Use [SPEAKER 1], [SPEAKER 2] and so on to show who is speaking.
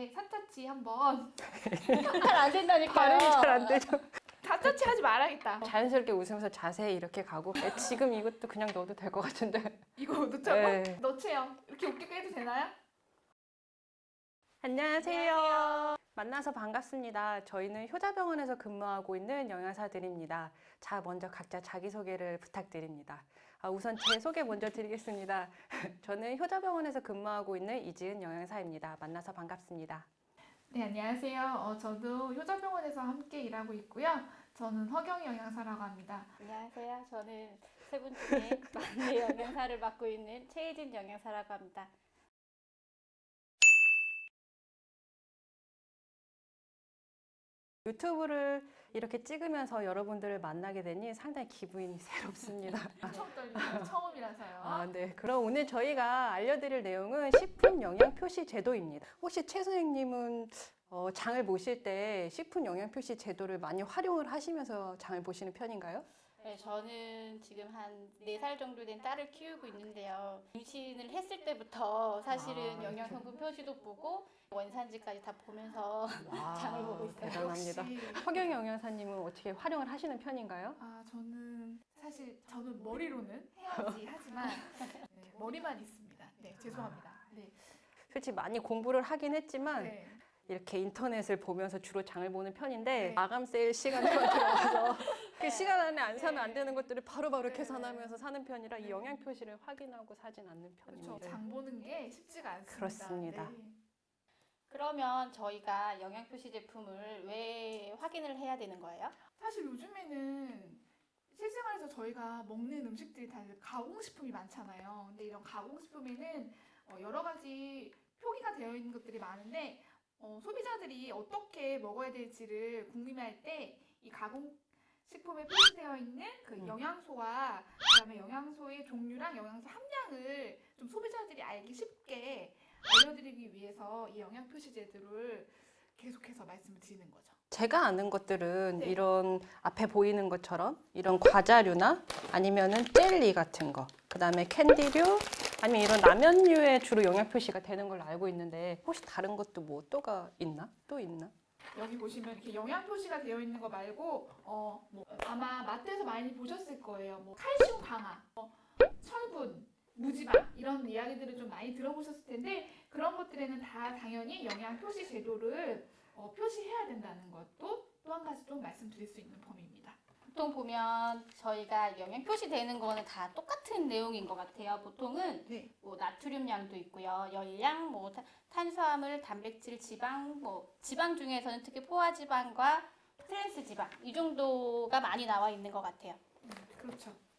[SPEAKER 1] 때 사타치 한번
[SPEAKER 2] 잘 안 된다니까요.
[SPEAKER 3] 발음이 잘 안 되죠.
[SPEAKER 1] 사타치 하지 말아야겠다.
[SPEAKER 3] 자연스럽게 웃으면서 자세히 이렇게 가고 지금 이것도 그냥 넣어도 될 것 같은데.
[SPEAKER 1] 이거 넣자고?
[SPEAKER 3] 네.
[SPEAKER 1] 넣지요. 이렇게 웃기게 해도 되나요?
[SPEAKER 3] 안녕하세요. 만나서 반갑습니다. 저희는 효자병원에서 근무하고 있는 영양사들입니다. 자, 먼저 각자 자기소개를 부탁드립니다. 우선 제 소개 먼저 드리겠습니다. 저는 효자병원에서 근무하고 있는 이지은 영양사입니다. 만나서 반갑습니다.
[SPEAKER 1] 네, 안녕하세요. 저도 효자병원에서 함께 일하고 있고요. 저는 허경 영양사라고 합니다.
[SPEAKER 2] 안녕하세요. 저는 세 분 중에 막내 영양사를 맡고 있는 최혜진 영양사라고 합니다.
[SPEAKER 3] 유튜브를 이렇게 찍으면서 여러분들을 만나게 되니 상당히 기분이 새롭습니다.
[SPEAKER 1] 처음 떨리는 처음이라서요.
[SPEAKER 3] 네. 그럼 오늘 저희가 알려드릴 내용은 식품 영양 표시 제도입니다. 혹시 최 선생님은 장을 보실 때 식품 영양 표시 제도를 많이 활용을 하시면서 장을 보시는 편인가요?
[SPEAKER 2] 네, 저는 지금 한 4살 정도 된 딸을 키우고 있는데요. 임신을 했을 때부터 사실은 영양성분 표시도 보고 원산지까지 다 보면서 장을 보고 있어요.
[SPEAKER 3] 대단합니다.
[SPEAKER 1] 역시.
[SPEAKER 3] 허경 영양사님은 어떻게 활용을 하시는 편인가요?
[SPEAKER 1] 저는 사실 저는 머리로는 해야지 하지만 네, 머리만 있습니다. 네, 죄송합니다. 네.
[SPEAKER 3] 솔직히 많이 공부를 하긴 했지만
[SPEAKER 1] 네.
[SPEAKER 3] 이렇게 인터넷을 보면서 주로 장을 보는 편인데
[SPEAKER 1] 네.
[SPEAKER 3] 마감 세일 시간에만 들어가서 그 시간 안에 안 사면 안 되는 것들을 바로바로
[SPEAKER 1] 네.
[SPEAKER 3] 계산하면서 사는 편이라 이
[SPEAKER 1] 네.
[SPEAKER 3] 영양 표시를 확인하고 사진 않는
[SPEAKER 1] 그렇죠.
[SPEAKER 3] 편입니다.
[SPEAKER 1] 장 보는 게 쉽지가 않습니다.
[SPEAKER 3] 그렇습니다.
[SPEAKER 1] 네.
[SPEAKER 2] 그러면 저희가 영양 표시 제품을 왜 확인을 해야 되는 거예요?
[SPEAKER 1] 사실 요즘에는 실생활에서 저희가 먹는 음식들이 다 가공식품이 많잖아요. 근데 이런 가공식품에는 여러 가지 표기가 되어 있는 것들이 많은데 소비자들이 어떻게 먹어야 될지를 궁금해할 때 이 가공식품에 표시되어 있는 그 영양소와 그다음에 영양소의 종류랑 영양소 함량을 좀 소비자들이 알기 쉽게 알려드리기 위해서 이 영양 표시 제도를 계속해서 말씀을 드리는 거죠.
[SPEAKER 3] 제가 아는 것들은
[SPEAKER 1] 네.
[SPEAKER 3] 이런 앞에 보이는 것처럼 이런 과자류나 아니면은 젤리 같은 거, 그 다음에 캔디류, 아니면 이런 라면류에 주로 영양 표시가 되는 걸로 알고 있는데 혹시 다른 것도 뭐 또가 있나? 또 있나?
[SPEAKER 1] 여기 보시면 이렇게 영양 표시가 되어 있는 거 말고 뭐 아마 마트에서 많이 보셨을 거예요. 뭐 칼슘 강화, 철분, 무지방 이런 이야기들을 좀 많이 들어보셨을 텐데 그런 것들에는 다 당연히 영양 표시 제도를 표시해야 된다는 것도 또 한 가지 좀 말씀드릴 수 있는 범위입니다.
[SPEAKER 2] 보통 보면 저희가 영양 표시되는 거는 다 똑같은 내용인 것 같아요. 보통은
[SPEAKER 1] 네.
[SPEAKER 2] 뭐 나트륨량도 있고요, 열량, 뭐 탄수화물, 단백질, 지방, 뭐 지방 중에서는 특히 포화지방과 트랜스 지방 이 정도가 많이 나와 있는 것 같아요.
[SPEAKER 1] 그렇죠.